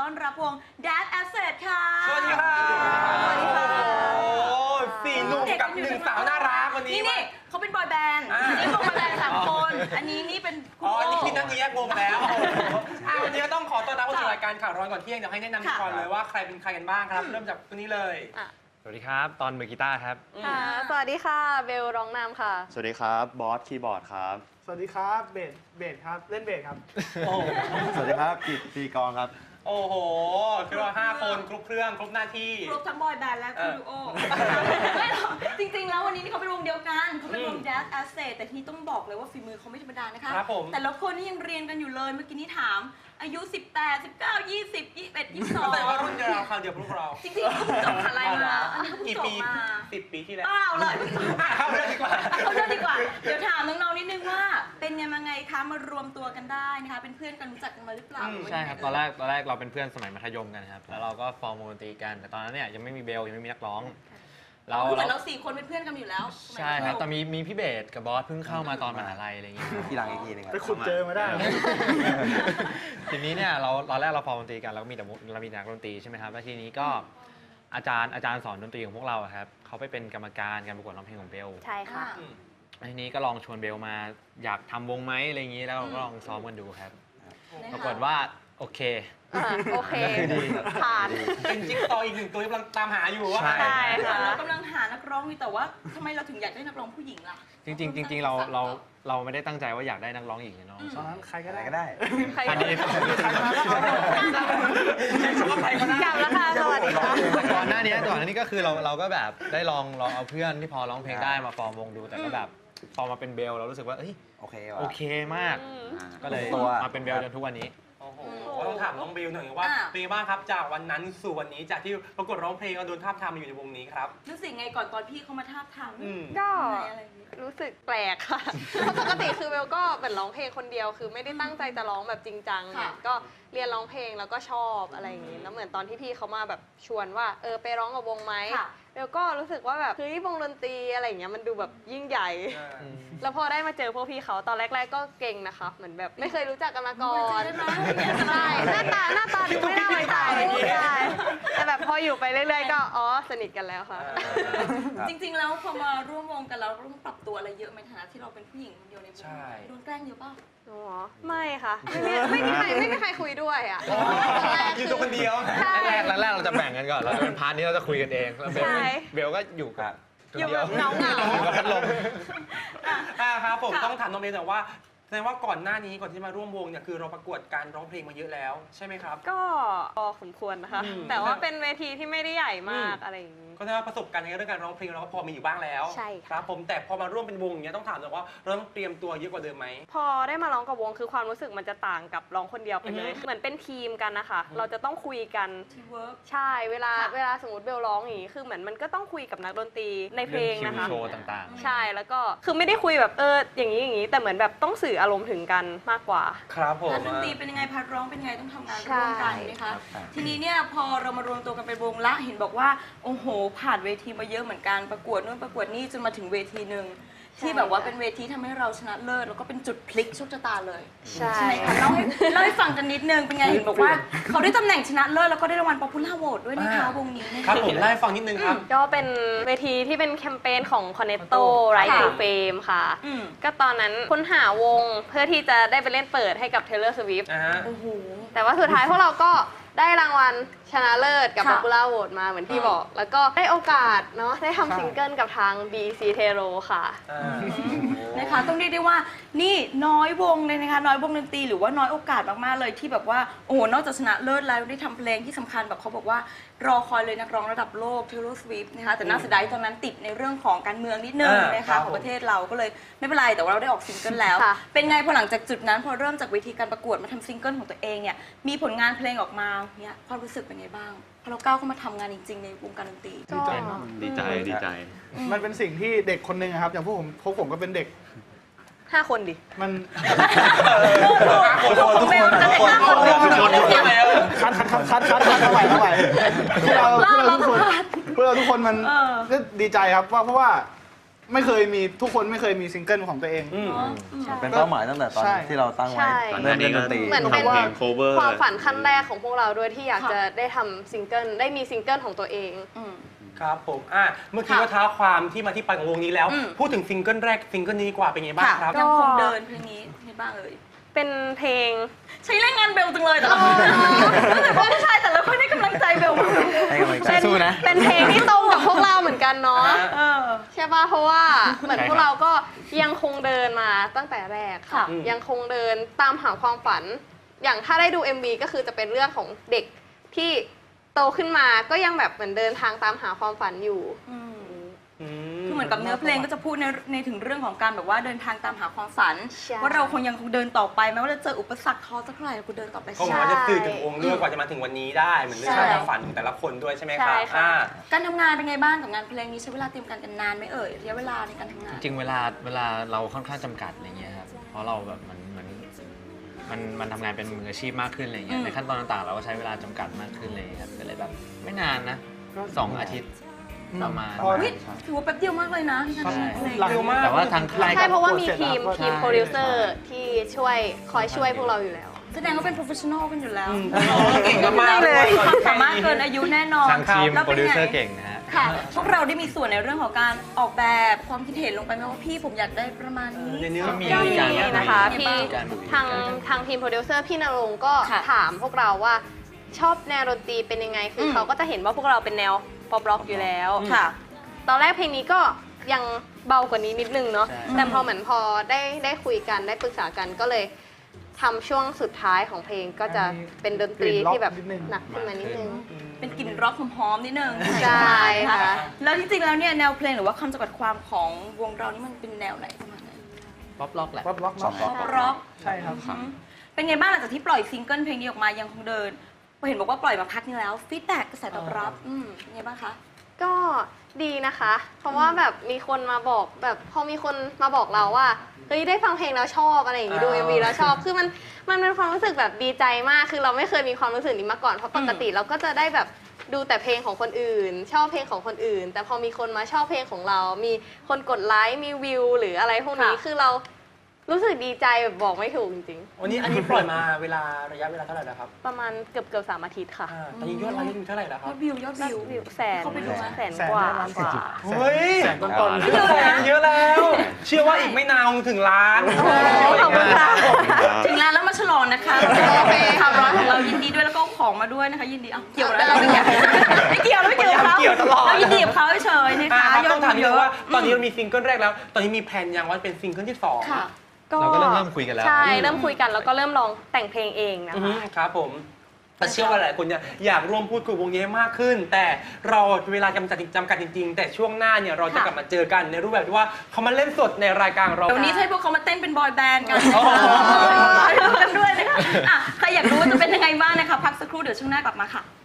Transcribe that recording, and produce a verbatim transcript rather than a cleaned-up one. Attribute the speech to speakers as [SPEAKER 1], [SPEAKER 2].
[SPEAKER 1] อนรับวง Dad Asset ค่ะ
[SPEAKER 2] สวัสดีค่ะ
[SPEAKER 1] สวัสดีค่ะ
[SPEAKER 2] โอ้สี่หนุ่มกับหนึ่งสาวน่ารักวันนี้
[SPEAKER 1] นี่นี่เขาเป็นบอยแบนด์อันนี้วงบอยแบนด์สามคนอันนี้นี่เป็นคุณ
[SPEAKER 2] อ๋อ
[SPEAKER 1] โอ
[SPEAKER 2] อันนี้พี่นั่งแยกวงแล้ววันนี้ก็ต้องขอต้อนรับเข้าสู่รายการข่าวร้อนก่อนเที่ยงเดี๋ยวให้แนะนำก่อนเลยว่าใครเป็นใครกันบ้างครับเริ่มจากคนนี้เลย
[SPEAKER 3] สวัสดีครับตอนมือกีตาร์ครับ
[SPEAKER 4] ค่ะสวัสดีค่ะเบลร้องนำค่ะ
[SPEAKER 5] สวัสดีครับบอสคีย์บอร์ดครับ
[SPEAKER 6] สวัสดีครับเบสเบสครับเล่นเบสครับ
[SPEAKER 5] สวัสดีครับกิตตีกองครับ
[SPEAKER 2] โอ้โหคือว่าห้าคนครบเครื่องครบหน้าที่
[SPEAKER 1] ครบทั้งบอยแบนด์และคุณดูโอไม่หรอกจริงๆแล้ววันนี้นี่เขาเป็นวงเดียวกันเขาเป็นวง Dad Asset แต่ที่ต้องบอกเลยว่าฝีมือเขาไม่ธรรมดานะคะแต่ละคนนี่ยังเรียนกันอยู่เลยเมื่อกี้นี่ถามอายุสิบแปด สิบเก้า ยี่สิบ ยี่สิบเอ็ด ยี่สิบสอง
[SPEAKER 2] แต่ว่ารุ่นเดียวคราวเดียวพวกเรา
[SPEAKER 1] จริงๆเขาเพิ่งจบอะไรมาอันนี้เขาเพิ่งจบมา
[SPEAKER 2] สิบปีที่แล้ว
[SPEAKER 1] เปล่าเลย
[SPEAKER 2] เข้าเรื่องดีกว่า
[SPEAKER 1] เข้าเรื่องดีกว่าเดี๋ยวถามน้องๆนิดนึงว่าเป็นยังไงคะมารวมตัวกันได้นะคะเป็นเพื่อนกันรู้จักกันมาหรือเปล่า
[SPEAKER 3] ใช่ครับตอนแรกตอนแรกเราเป็นเพื่อนสมัยมัธยมกันครับแล้วเราก็ฟอร์มวงดนตรีกันแต่ตอนนั้นเนี่ยยังไม่มีเบลยังไม่มีนักร้อง
[SPEAKER 1] เราเหมือนเราสี่คนเป็นเพื่อนกันอยู่แล้ว
[SPEAKER 3] ใช่ครับแต่มีมีพี่เบสกับบอสเพิ่งเข้ามาตอนมหาลัยอะไรอย่างเงี้ย
[SPEAKER 5] ทีหลังอีกทีนึง
[SPEAKER 6] ไปขุดเจอมาได้
[SPEAKER 3] ทีนี้เนี่ยเราตอนแรกเราฟอร์มดนตรีกันเราก็มีแต่เรามีนักดนตรีใช่ไหมครับแล้วทีนี้ก็อาจารย์อาจารย์สอนดนตรีของพวกเราครับเขาไปเป็นกรรมการการประกวดร้องเพลงของเบล
[SPEAKER 4] ใช่ค่ะ
[SPEAKER 3] ทีนี้ก็ลองชวนเบลมาอยากทำวงไหมอะไรอย่างนี้แล้วก็ลองซ้อมกันดูครับปรากฏว่าโอเค
[SPEAKER 4] โอเคผ่าน
[SPEAKER 2] เป็นจิ๊กซอว์อีกหนึ่งตัวที่กำลังตามหาอยู่ว่า
[SPEAKER 4] ใช่ค่ะ
[SPEAKER 1] เรากำลังหานักร้องอยู่แต่ว่าทำไมเราถึงอยากได้นักร้องผู้หญิงล่ะ
[SPEAKER 3] จริงๆจริงๆเราเราเราไม่ได้ตั้งใจว่าอยากได้นักร้องหญิงเนาะ
[SPEAKER 6] ตอนนั้นใครก็ได้
[SPEAKER 5] ก็ได้
[SPEAKER 4] ใครก็ได้กลับแล้วค่ะสวัสดีค่ะ
[SPEAKER 3] ก่อนหน้านี้ก่อนหน้านี้ก็คือเราเราก็แบบได้ลองลองเอาเพื่อนที่พอร้องเพลงได้มาฟอร์มวงดูแต่ก็แบบพอมาเป็นเบลเรารู้สึกว่าเอ้ย
[SPEAKER 5] โอเค
[SPEAKER 3] โอเคมากก็เลยมาเป็นเบลจนทุกวันนี้
[SPEAKER 2] โอ้โหต้องถามน้องเบลหน่อยว่าเป็นบ้างครับจากวันนั้นสู่วันนี้จากที่ประกวดร้องเพลงเราโดนทาบทามมาอยู่ในวงนี้ครับ
[SPEAKER 1] รู้สึกไงก่อนตอนพี่เขามาทาบทาม
[SPEAKER 4] ก็รู้สึกแปลกค่ะเพราะปกติคือเบลก็เหมือนร้องเพลงคนเดียวคือไม่ได้ตั้งใจจะร้องแบบจริงจังก็เรียนร้องเพลงแล้วก็ชอบอะไรอย่างงี้แล้วเหมือนตอนที่พี่เขามาแบบชวนว่าเออไปร้องกับวงไหมเบลก็รู้สึกว่าแบบเฮ้ยวงดนตรีอะไรอย่างเงี้ยมันดูแบบยิ่งใหญ่แล้วพอได้มาเจอพวกพี่เขาตอนแรกๆก็เก่งนะคะเหมือนแบบไม่เคยรู้จักกันมาก่อนใช่หน้าตาหน้าตาดูไม่น่าไว้ใจใช่แต่แบบพออยู่ไปเรื่อยๆก็อ๋อสนิทกันแล้วค่ะ
[SPEAKER 1] จริงๆแล้วพอมาร่วมวงกันเราต้องปรับตัวอะไรเยอะไหมฐานะที่เราเป็นผู้หญิงคนเดียวในวงโดนแกล้งเยอะป่ะ
[SPEAKER 4] อ๋อไม่ค่ะไม่มีใครไม่มีใครคุยด้วยอ่ะ
[SPEAKER 2] อยู่ตัวคนเดียว
[SPEAKER 3] แรกแรกเราจะแบ่งกันก่อนเราจะเป็นพาร์ทนี้เราจะคุยกันเองแล้วเบลเบลก็อยู่กับ
[SPEAKER 4] อยู่แบบเงาเงา
[SPEAKER 3] อยู่กับพัดลม
[SPEAKER 2] อ่าครับผมต้องถามน้องเบลแต่ว่าแสดงว่าก่อนหน้านี้ก่อนที่มาร่วมวงเนี่ยคือเราประกวดการร้องเพลงมาเยอะแล้วใช่ไหมครับ
[SPEAKER 4] ก็พอสมควรนะคะแต่ว่าเป็นเวทีที่ไม่ได้ใหญ่มากอะไรอย่างนี้
[SPEAKER 2] ก็แสดงว่าประสบการณ์ในเรื่องการร้องเพลงเราก็พอมีอยู่บ้างแล้ว
[SPEAKER 4] ใช่
[SPEAKER 2] ครับผมแต่พอมาร่วมเป็นวงอย่างเงี้ยต้องถามเลยว่าเราต้องเตรียมตัวเยอะกว่าเดิมไหม
[SPEAKER 4] พอได้มาร้องกับวงคือความรู้สึกมันจะต่างกับร้องคนเดียวไปเลยเหมือนเป็นทีมกันนะคะเราจะต้องคุยกันใช่เวลาเวลาสมมติเบลร้องอย่างนี้คือเหมือนมันก็ต้องคุยกับนักดนตรีในเพลงนะคะ
[SPEAKER 3] โชว์ต่าง
[SPEAKER 4] ๆใช่แล้วก็คือไม่ได้คุยแบบเอออย่างนี้อย่างนี้แต่เหมือนแบบต้องสื่ออารมณ์ถึงกันมากกว่า
[SPEAKER 2] ครับผม
[SPEAKER 1] นักดนตรีเป็นยังไงพัดร้องเป็นยังไงต้องทำงานร่วมกันนะคะทีนี้เนี่ยพอเรามารวมตัวกันเป็นวงละเห็นบอกว่าโอ้โหผ่านเวทีมาเยอะเหมือนกันประกวดนู่นประกวดนี่จนมาถึงเวทีหนึ่งที่แบบว่าเป็นเวทีทำให้เราชนะเลิศแล้วก็เป็นจุดพลิกโชคชะตาเลย
[SPEAKER 4] ใช่
[SPEAKER 1] ไหมคะเล่าให้เล่าให้ฟังกันนิดนึงเป็นไงเห็นบอกว่าเขาได้ตำแหน่งชนะเลิศแล้วก็ได้รางวัล Popular Vote ด้วยนะคะวงนี้
[SPEAKER 2] ครับผมเล่าให้ฟังนิดนึงครับ
[SPEAKER 4] ก็เป็นเวทีที่เป็นแคมเปญของ Cornetto Right to Fame ค่ะก็ตอนนั้นค้นหาวงเพื่อที่จะได้ไปเล่นเปิดให้กับ Taylor Swift แต่ว่าสุดท้ายพวกเราก็ได้รางวัลชนะเลิศกับ Popular Vote มาเหมือนที่บอกแล้วก็ได้โอกาสเนาะได้ทำซิงเกิลกับทาง บี ซี Tero ค่ะ
[SPEAKER 1] นะคะต้องเรียกได้ว่านี่น้อยวงเลยนะคะน้อยวงดนตรีหรือว่าน้อยโอกาสมากๆเลยที่แบบว่าโอ้โหนอกจากชนะเลิศแล้วได้ทำเพลงที่สำคัญแบบเขาบอกว่ารอคอยเลยนักร้องระดับโลก Taylor Swift นะคะแต่น่าเสียดายตอนนั้นติดในเรื่องของการเมืองนิดนึงนะคะของประเทศเราก็เลยไม่เป็นไรแต่ว่าเราได้ออกซิงเกิลแล้วเป็นไงพอหลังจากจุดนั้นพอเริ่มจากเวทีการประกวดมาทำซิงเกิลของตัวเองเนี่ยมีผลงานเพลงออกมาเนี่ยความรู้สึกเป็นไงบ้างพอเราก้าวเข้ามาทำงานจริงๆในวงการดนตรี
[SPEAKER 5] ดีใจดีใจดีใจ
[SPEAKER 6] มันเป็นสิ่งที่เด็กคนหนึ่งครับอย่างพวกผมพวกผมก็เป็นเด็ก
[SPEAKER 4] ห้าคนดิ
[SPEAKER 6] มัน
[SPEAKER 1] ทุกคนจะเด็กห้าคน
[SPEAKER 6] คัดคัดคัดคัดคัดคัดเท่าไหร่เท่าไหร่พวกเราพวกเราทุกคนพวกเราทุกคนมันก็ดีใจครับว่าเพราะว่าไม่เคยมีทุกคนไม่เคยมีซิงเกิลของตัวเอง
[SPEAKER 2] อืม
[SPEAKER 5] เป็นเป้าหมายตั้งแต่ตอน
[SPEAKER 6] ใช่
[SPEAKER 5] ที่เราตั้งไว้
[SPEAKER 4] ใช่
[SPEAKER 5] เริ่มเล่นดนตรี
[SPEAKER 4] เหมือนเป็น
[SPEAKER 5] ทำเพลง cover
[SPEAKER 4] ความฝันขั้นแรกของพวกเราด้วยที่อยาก
[SPEAKER 1] ค่ะ
[SPEAKER 4] จะได้ทำซิงเกิลได้มีซิงเกิลของตัวเอง
[SPEAKER 1] อืม
[SPEAKER 2] ครับผมอ่ะเมื่อกี้
[SPEAKER 1] ค่ะ
[SPEAKER 2] ว่าท้าความที่มาที่ไปของวงนี้แล้ว
[SPEAKER 1] อืม
[SPEAKER 2] พูดถึงซิงเกิลแรกซิงเกิลนี้ดีกว่าเป็นไงบ้าง
[SPEAKER 1] ค่ะ
[SPEAKER 2] ครับ
[SPEAKER 1] ยังคงเดินเพลงนี้ให้บ้างเอ่ย
[SPEAKER 4] เป็นเพลง
[SPEAKER 1] ใช้แรงงานเบลจังเลยแต่ละคนรู้สึกว่าผู้ชายแต่ละคนให้กำลังใจเบลมาก
[SPEAKER 5] ให้กำลังใจ
[SPEAKER 3] สู้นะ
[SPEAKER 4] เป็นเพลงที่ตรงกับพวกเราเหมือนกันเนาะ
[SPEAKER 1] เออ
[SPEAKER 4] ใช่ป่ะเพราะว่าเหมือน
[SPEAKER 3] ใช่
[SPEAKER 4] พ
[SPEAKER 3] ครับ
[SPEAKER 4] วกเราก็ยังคงเดินมาตั้งแต่แรกค่ะ
[SPEAKER 1] ค่ะ
[SPEAKER 2] อืม
[SPEAKER 4] ยังคงเดินตามหาความฝัน อย่างถ้าได้ดู เอ็ม วี ก็คือจะเป็นเรื่องของเด็กที่โตขึ้นมาก็ยังแบบเหมือนเดินทางตามหาความฝันอยู่
[SPEAKER 1] อืม
[SPEAKER 2] อื
[SPEAKER 1] คือเหมือนกับเนื้อเพลงก็จะพูดในในถึงเรื่องของการแบบว่าเดินทางตามหาความฝัน
[SPEAKER 4] ใช่
[SPEAKER 1] ว่าเราคงยังคงเดินต่อไปแม้ว่าจะเจออุปสรรคท้อสักเท่าไหร่เราก็เดินต่อไป
[SPEAKER 2] ก็ห
[SPEAKER 1] ใช่
[SPEAKER 2] วังว่าจะสื่อถึงองค์เรื่องกว่าจะมาถึงวันนี้ได้เหมือนเรื่อง
[SPEAKER 1] ใช่
[SPEAKER 2] ความฝันของแต่ละคนด้วยใช่ไหมค
[SPEAKER 4] ใช่
[SPEAKER 2] รับ
[SPEAKER 4] ค่ะ
[SPEAKER 2] อ่า
[SPEAKER 1] การทำงานเป็นไงบ้างกับงานเพลงนี้ใช้เวลาเตรียมการกันนานไหมเอ่ยระยะเวลาในการทำงาน
[SPEAKER 3] จริงๆเวลาเวลาเราค่อนข้างจำกัดอะไรเงี้ยครับ เพราะเราแบบมันมันมันมันทำงานเป็นมืออาชีพมากขึ้นอะไรเงี้
[SPEAKER 1] อื
[SPEAKER 3] ย
[SPEAKER 1] ม
[SPEAKER 3] ในขั้นตอนต่างๆ เราก็ใช้เวลาจำกัดมากขึ้นเลยครับก็เลยแบบไม่นานนะสองอาทิตย์ประมาณ
[SPEAKER 6] พอ
[SPEAKER 1] เฮ้ยถือว่าแป๊บเดียวมากเลยนะที่ทำงานเพลง
[SPEAKER 6] หลัง
[SPEAKER 2] เร็วมาก
[SPEAKER 3] แต่ว่าทางค่าย
[SPEAKER 4] ใช่
[SPEAKER 3] ก็
[SPEAKER 4] เพราะว่ามี
[SPEAKER 6] เสร็จ
[SPEAKER 4] ทีม
[SPEAKER 6] แล้วก็
[SPEAKER 4] ทีม
[SPEAKER 3] ใช่
[SPEAKER 4] โปรดิวเซอร์ที่ช่วยคอยช่วยพวกเราอยู่แล้ว
[SPEAKER 1] แสดงว่าเป็น professional กันอยู่แล้ว
[SPEAKER 2] อืมเก่งมากๆ
[SPEAKER 1] เลย
[SPEAKER 2] เลย
[SPEAKER 1] ความสามารถเกินอายุแน่นอน
[SPEAKER 3] ทางทีม
[SPEAKER 1] แล้ว
[SPEAKER 3] โปร
[SPEAKER 1] เป็น
[SPEAKER 3] ดิว
[SPEAKER 1] ไง
[SPEAKER 3] เซอร์เก่งนะฮะ
[SPEAKER 1] ค่ะ พวกเราได้มีส่วนในเรื่องของการออกแบบความคิดเห็นลงไปไหมว่าพี่ผมอยากได้ประมาณนี้
[SPEAKER 2] ในเนื้อ
[SPEAKER 3] ก็มี
[SPEAKER 4] ก็
[SPEAKER 3] มี
[SPEAKER 4] มี
[SPEAKER 3] การ
[SPEAKER 4] นะคะ
[SPEAKER 1] มี
[SPEAKER 4] พี่
[SPEAKER 1] บ้าง
[SPEAKER 4] ทางทางทีมโปรดิวเซอร์พี่นรงค์ก็
[SPEAKER 1] ค่ะ
[SPEAKER 4] ถามพวกเราว่าชอบแนวดนตรีเป็นยังไง คืออ
[SPEAKER 1] ม
[SPEAKER 4] เขาก็จะเห็นว่าพวกเราเป็นแนวป๊อปร็อกอยู่แล้ว
[SPEAKER 1] ค่ะ
[SPEAKER 4] ตอนแรกเพลงนี้ก็ยังเบากว่านี้นิดนึงเนาะ
[SPEAKER 3] ใช่
[SPEAKER 4] แต่พอเหมือนพอได้ได้คุยกันได้ปรึกษากันก็เลยทำช่วงสุดท้ายของเพลงก็จะเป็นดนตรีที่แบบหนักขึ้นมานิดนึง
[SPEAKER 1] เป็นกลิ่นร็อกหอมๆนิดนึง
[SPEAKER 4] ใช่ค่ะ
[SPEAKER 1] แล้วจริงๆแล้วเนี่ยแนวเพลงหรือว่าคำจำกัดความของวงเรานี่มันเป็นแนวไหนประมาณไหน
[SPEAKER 3] ป๊อปล็อกแหละ
[SPEAKER 6] ป๊อปร็อก
[SPEAKER 5] ป๊อปร็อก
[SPEAKER 1] ป๊อปร็อก
[SPEAKER 6] ใช่ครับ
[SPEAKER 1] อืมเป็นไงบ้างหลังจากที่ปล่อยซิงเกิลเพลงนี้ออกมายังคงเดินเห็นบอกว่าปล่อยมาพักนึงแล้วฟีดแบ็กกระแสตอบรับอืมเป็นไงบ้างคะ
[SPEAKER 4] ก็ดีนะคะ เพราะว่าแบบมีคนมาบอกแบบพอมีคนมาบอกเราว่าเฮ้ยได้ฟังเพลงแล้วชอบอะไรอย่างงี้ดู
[SPEAKER 2] อ่า
[SPEAKER 4] เอ็มวีแล้วชอบ คือมันมันเป็นความรู้สึกแบบดีใจมาก คือเราไม่เคยมีความรู้สึกนี้มาก่อน เพราะปกติเราก็จะได้แบบดูแต่เพลงของคนอื่น ชอบเพลงของคนอื่น แต่พอมีคนมาชอบเพลงของเรา มีคนกดไลค์ มีวิวหรืออะไรพวกนี้
[SPEAKER 1] ค่ะ
[SPEAKER 4] คือเรารู้สึกดีใจแบบบอกไม่ถูกจริง
[SPEAKER 2] วันนี้อันนี้ปล่อยมาเวลาระยะเวลาเท่าไหร่แล้วครับ
[SPEAKER 4] ๆ ประมาณเกือบเกือบสามอาทิตย์ค่ะ
[SPEAKER 2] อ่าตอนนี้ยอดไลค์อยู่เท่าไหร่แล้วค
[SPEAKER 1] ย
[SPEAKER 2] รั
[SPEAKER 1] อบ ดวิวยอดวิว
[SPEAKER 4] วิวแสน
[SPEAKER 1] เข้าไปดูไหม
[SPEAKER 4] แสนกว่า
[SPEAKER 6] แสน
[SPEAKER 4] กว่า
[SPEAKER 2] เฮ้ย
[SPEAKER 6] แสนต้นๆ
[SPEAKER 5] เยอะ
[SPEAKER 2] แสนเยอะแล้ว เชื่อว่าอีกไม่นานคงถึงล้าน
[SPEAKER 4] ขอบคุณค่ะ
[SPEAKER 1] ถึงแล้วแล้วมาฉลองนะคะ
[SPEAKER 4] โอเค
[SPEAKER 1] ข่าวร้อนของเรายินดีด้วยแล้วก็เอาของมาด้วยนะคะ ยินดีเอาเกี่ยวแล้วเราไม่เกี่ยวไม่เกี่ยวแล้วไม่เกี่ยวกับเขา
[SPEAKER 2] เกี่ยวตลอด
[SPEAKER 1] เรายินดีกับเขาเฉยๆนะ
[SPEAKER 2] อ่า
[SPEAKER 1] คะ
[SPEAKER 2] ครับ
[SPEAKER 1] ยอ
[SPEAKER 2] ต้
[SPEAKER 1] ด
[SPEAKER 2] องถาม
[SPEAKER 1] วิ
[SPEAKER 2] นิ
[SPEAKER 1] ว
[SPEAKER 2] ด
[SPEAKER 1] เย
[SPEAKER 2] นึง
[SPEAKER 1] อะ
[SPEAKER 2] ว่าตอนนี้เรามีซิงเกิลแรกแล้ว ตอนนี้มีแผนยังว่าเป็นซิงเกิลที่สอง
[SPEAKER 1] ค่ะ
[SPEAKER 3] เราก็เริ่มเริ่มคุยกันแล้ว
[SPEAKER 4] ใช่ เริ่มคุยกันแล้วก็เริ่มลองแต่งเพลงเองนะ
[SPEAKER 2] อือฮึ
[SPEAKER 4] คะ
[SPEAKER 2] ครับผมแต่เชื่อว่าหลายคนเนี่ยอยากร่วมพูดคุยวงนี้ให้มากขึ้น แต่เราเวลาจำกัดจำกัดจริง ๆ แต่ช่วงหน้าเนี่ยเราจะ
[SPEAKER 1] ค่ะ
[SPEAKER 2] กลับมาเจอกันในรูปแบบที่ว่าเขามาเล่นสดในรายการของเรา
[SPEAKER 1] เดี๋ยวนี้ให้พวกเขามาเต้นเป็นบอยแบนด์กัน
[SPEAKER 2] โอ้โห
[SPEAKER 1] ไปดูกันด้วยนะคะอ่ะใครอยากรู้ว่าจะเป็นยังไงบ้างนะคะ พักสักครู่เดี๋ยวช่วงหน้ากลับมาค่ะ